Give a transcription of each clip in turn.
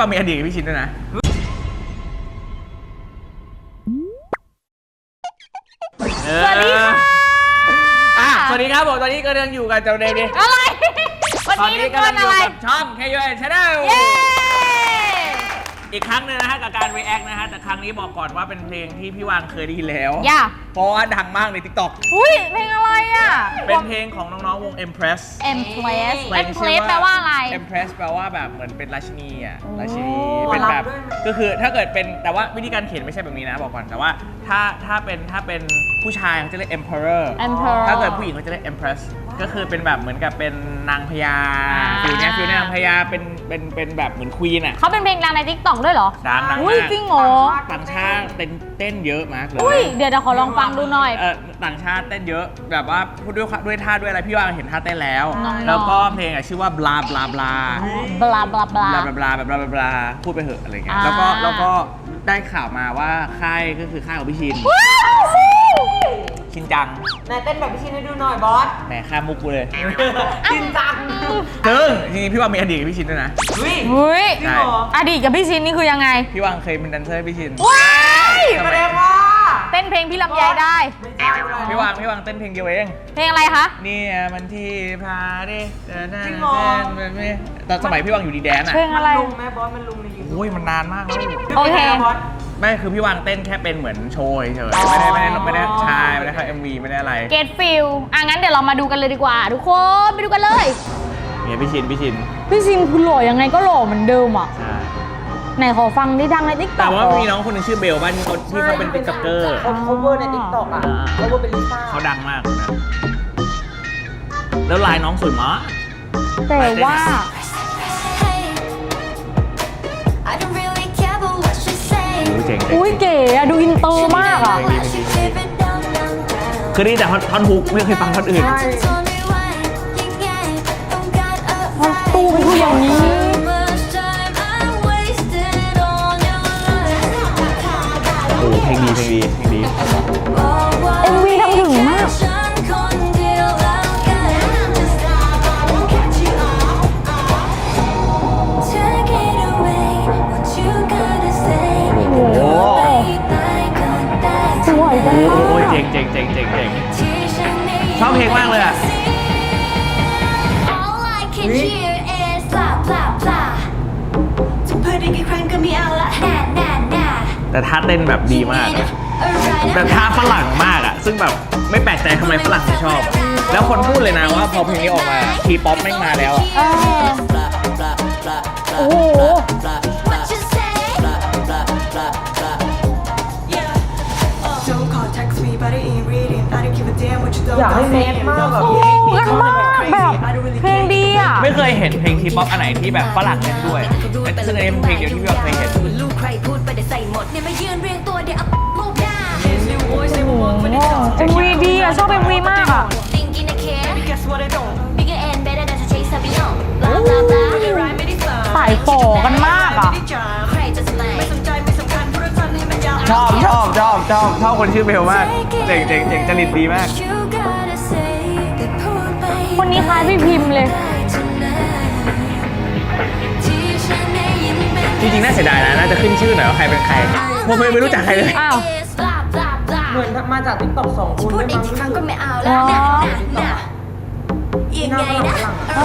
ว่ามีอดีตกับพี่ชินด้วยนะสวัสดีค่ะสวัสดีครับผมตอนนี้ก็ยังอยู่กับเจ้าเดวิดอะไรวันนี้ทุกคนอะไรช่อง KUN Channel เย้อีกครั้งนึงนะฮะกับการ react นะฮะแต่ครั้งนี้บอกก่อนว่าเป็นเพลงที่พี่วางเคยได้ยินแล้วเพราะว่าดังมากใน TikTok อุ้ยเพลงอะไรอ่ะเป็นเพลงของน้องๆวง Empress แปลว่าอะไร Empress แปลว่าแบบเหมือนเป็นราชินีอ่ะราชินีเป็นแบบก็คือถ้าเกิดเป็นแต่ว่าวิธีการเขียนไม่ใช่แบบนี้นะบอกก่อนแต่ว่าถ้าเป็นผู้ชายเขาจะเรียก Emperor ถ้าเกิดผู้หญิงเขาจะเรียก Empress ก็คือเป็นแบบเหมือนกับเป็นนางพญาฟิลนี้นางพญาเป็นแบบเหมือนควีนอ่ะเขาเป็นเพลงดังใน TikTok ด้วยเหรอดังมากจริงเหรอต่างชาติเต้นเยอะมากเลยเดี๋ยวขอลองฟังดูหน่อยต่างชาติเต้นเยอะแบบว่าพูดด้วยท่าด้วยอะไรพี่ว่าเห็นท่าเต้นแล้วแล้วก็เพลงชื่อว่า bla bla bla bla bla bla bla bla bla bla พูดไปเหอะอะไรเงี้ยแล้วก็ได้ข่าวมาว่าค่ายก็คือค่ายของพี่ชินชินจังนายเต้นแบบพี่ชินให้ดูหน่อยบอสแหมข้ามมุกกูเลยชินจังซึ่งจริงๆพี่ว่ามีอดีตกับพี่ชินด้วยนะเฮ้ยอดีตกับพี่ชินนี่คือยังไงพี่วังเคยเป็นแดนเซอร์ให้พี่ชินว้ายแสดงว่าเต้นเพลงพี่ลำไยได้พี่วังเต้นเพลงเดียวเองเพลงอะไรคะนี่มันที่พาดิเต้นตอนสมัยพี่วังอยู่ดีแดนอ่ะเพลงอะไรลุงแม่บอสมันลุงในยูทูบโอ้ยมันนานมากแล้วโอเคไม่คือพี่วางเต้นแค่เป็นเหมือนโชว์เฉยไม่ได้ใช่ไม่ได้เข้า MV ไม่ได้อะไรเกตฟิลงั้นเดี๋ยวเรามาดูกันเลยดีกว่าทุกคนไปดูกันเลยเนี่ยพี่ชินคือหล่อยังไงก็หล่อเหมือนเดิมอ่ะใช่ไหนขอฟังได้ดังใน TikTok แต่ว่ามีน้องคนนึงชื่อเบลบ้านที่เขาเป็นติ๊กต็อกเกอร์เขาเวอร์ใน TikTok อ่ะเขาเวอร์เป็นลิซ่าเขาดังมากนะแล้วลายน้องสวยมากแต่ว่าอุ้ยเก๋อะดูอินเตอร์มากอะคือนี่แต่ท่อนฮุกไม่เคยฟังท่อนอื่นมันตู้เป็นผู้อย่างนี้โอ้เพลงดี MV ทำถึงมากโอ้ยเจ๋งชอบเพลงมากเลยอ่ะแต่ท่าเต้นแบบดีมากแต่ท่าฝรั่งมากอ่ะซึ่งแบบไม่แปลกใจทำไมฝรั่งถึงชอบแล้วคนพูดเลยนะว่าพอเพลงนี้ออกมาทีป๊อปแม่งมาแล้วอ่ะโอ้โหอยากให้เมสมากแบบรักมากแบบเพลงดีอ่ะไม่เคยเห็นเพลงทีป๊อปอันไหนที่แบบฝรั่งเล่นด้วยซึ่งอันนี้เป็นเพลงเดียวที่พี่เคยเห็น MV ดีอ่ะชอบ MV มากอ่ะสายฝ่อกันมากอ่ะชอบคนชื่อเบลมากเจ๋งจริตดีมากคนนี้คล้ายพี่พิมพ์เลยจริงๆน่าเสียดายนะน่าจะขึ้นชื่อหน่อยว่าใครเป็นใครผมไม่รู้จักใครเลยอ้าวเหมือนมาจาก TikTok 2 คนด้วยมั้งครั้งก็ไม่เอาแล้วยังไงนะ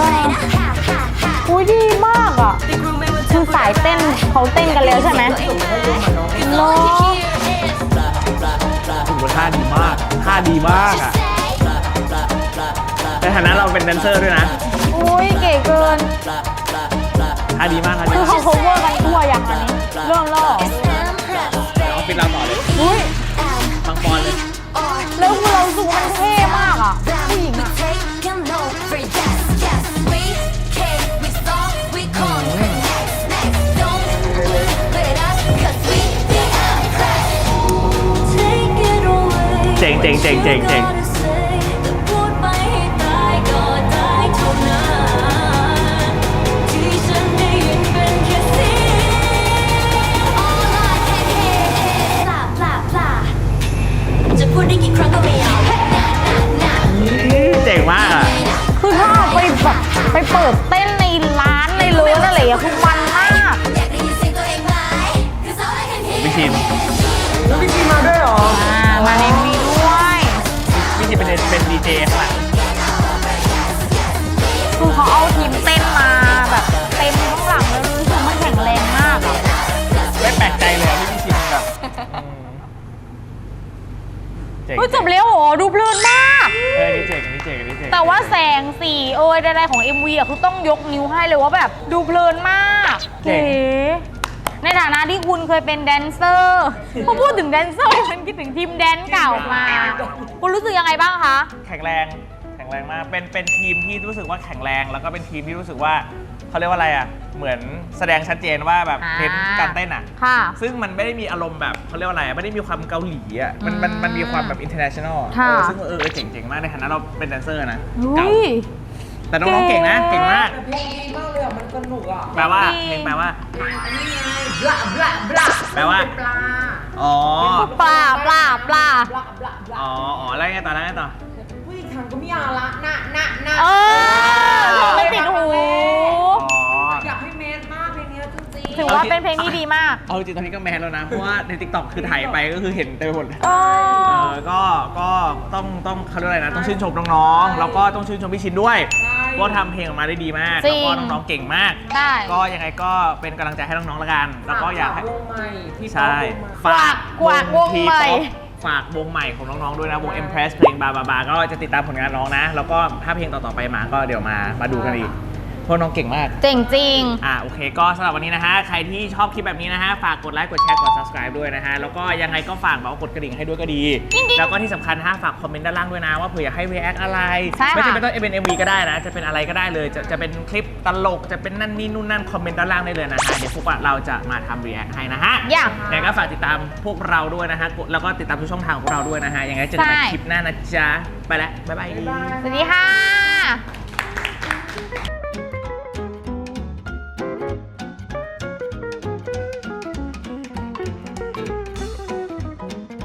อุ้ยดีมากอ่ะคือสายเต้นเขาเต้นกันแล้วใช่ไหมโลถือว่าท่าดีมากอ่ะในฐานะเราเป็นแดนเซอร์ด้วยนะอุ้ยเก๋เกินท่าดีมากคือเขา cover กันทั่วอย่างอันนี้เรื่องล่อเอาปิดเราต่อเลยอุ้ยฟังปอนเลยแล้วคือเราสูงมันเท่มากอ่ะผู้หญิงอ่ะเจ๋งเจ๋งมากอ่ะคือถ้าไปแบบไปเปิดเต้นในร้านในเลิศอะไรอย่างเงี้ยคือมันมากเจข้างหลังคือเขาเอาทีมเต้นมาแบบเต็มข้างหลังเลยรู้สึกมันแข็งแรงมากอะไม่แปลกใจเลยที่พี่ชินแบบเจ๋งเฮ้ยจบแล้วเหรอดูเพลินมากนี่เจ๋งนี่เจ๋งนี่เจ๋งแต่ว่าแสงสีใดๆของ MV อ่ะคือต้องยกนิ้วให้เลยว่าแบบดูเพลินมากเก๋ในฐานะที่คุณเคยเป็นแดนเซอร์พอพูดถึงแดนเซอร์มันคิดถึงทีมแดนเก่ามา คุณรู้สึกยังไงบ้างคะแข็งแรงมากเป็นทีมที่รู้สึกว่าแข็งแรงแล้วก็เป็นทีมที่รู้สึกว่าเขาเรียกว่าอะไรอ่ะเหมือนแสดงชัดเจนว่าแบบเน้นการเต้นอ่ะค่ะซึ่งมันไม่ได้มีอารมณ์แบบเขาเรียกว่าอะไรไม่ได้มีความเกาหลีอ่ะมันมีความแบบ international อะค่ะซึ่งเจ๋งมากในฐานะเราเป็นแดนเซอร์นะอุ้เก่าย แต่น้องๆเก่งนะเก่งมากแต่เพลงดีมากเลยอ่ะมันสนุกอ่ะแปลว่าเพลงแปลว่าอันนี้ไงบลาบลาบลาแปลว่าปลาอ๋อปลาบลาบลาบลาอ๋อแล้วไงต่อแล้วไงต่อผู้หญิงทางก็ไม่เอาละน่ะเออไม่ติดหูอ๋ออยากให้เมสมากเพลงนี้จริงๆถือว่าเป็นเพลงที่ดีมากเอาจริงตอนนี้ก็แมนแล้วนะ เพราะว่าใน TikTok คือถ่ายไปก็คือเห็นเต็มไปหมดเออก็ต้องเขาเรียกอะไรนะ ต้องชื่นชมน้องๆ แล้วก็ต้องชื่นชมพี่ชินด้วยว่าทำเพลงออกมาได้ดีมากจริแล้วงก็น้องๆ เก่งมากได้ก็ยังไงก็เป็นกำลังใจให้น้องๆ แล้วกัน แล้วก็อยากให้วงใหม่พี่ป๊อใช่ปวงใหม่กวาดวงใหม่ T-pop ฝากวงใหม่ของน้องๆ ด้วยนะ วง Impress เพลงบาบาก็จะติดตามผลงานน้องนะ แล้วก็ถ้าเพลงต่อๆ ไปมาก็เดี๋ยวมาดูกันอีกเพราะน้องเก่งมากเจ๋งจริงโอเคก็สำหรับวันนี้นะฮะ ใครที่ชอบคลิปแบบนี้นะฮะ ฝากกดไลค์กดแชร์กด subscribe ด้วยนะฮะ แล้วก็ยังไงก็ฝากแบบว่ากดกระดิ่งให้ด้วยก็ดี แล้วก็ที่สำคัญนะฮะฝากคอมเมนต์ด้านล่างด้วยนะ ว่าเผื่ออยากให้ react อะไรใช่ค่ะไม่จำเป็นต้องเป็น MV ก็ได้นะ จะเป็นอะไรก็ได้เลย จะเป็นคลิปตลก จะเป็นนั่นนี่นู่นนั่นคอมเมนต์ด้านล่างได้เลยนะฮะ เดี๋ยวพวกเราจะมาทำ react ให้นะฮะอย่างยังไงก็ฝากติดตามพวกเราด้วยนะฮะ แล้วก็ติดตามทุกช่องทางของพวกเราด้วยนะฮะ ยังไงเจอกันใหม่ใช่คลิปหน้านะจ๊ะ ไปแล้วบ๊ายบายสวัสดีค่ะ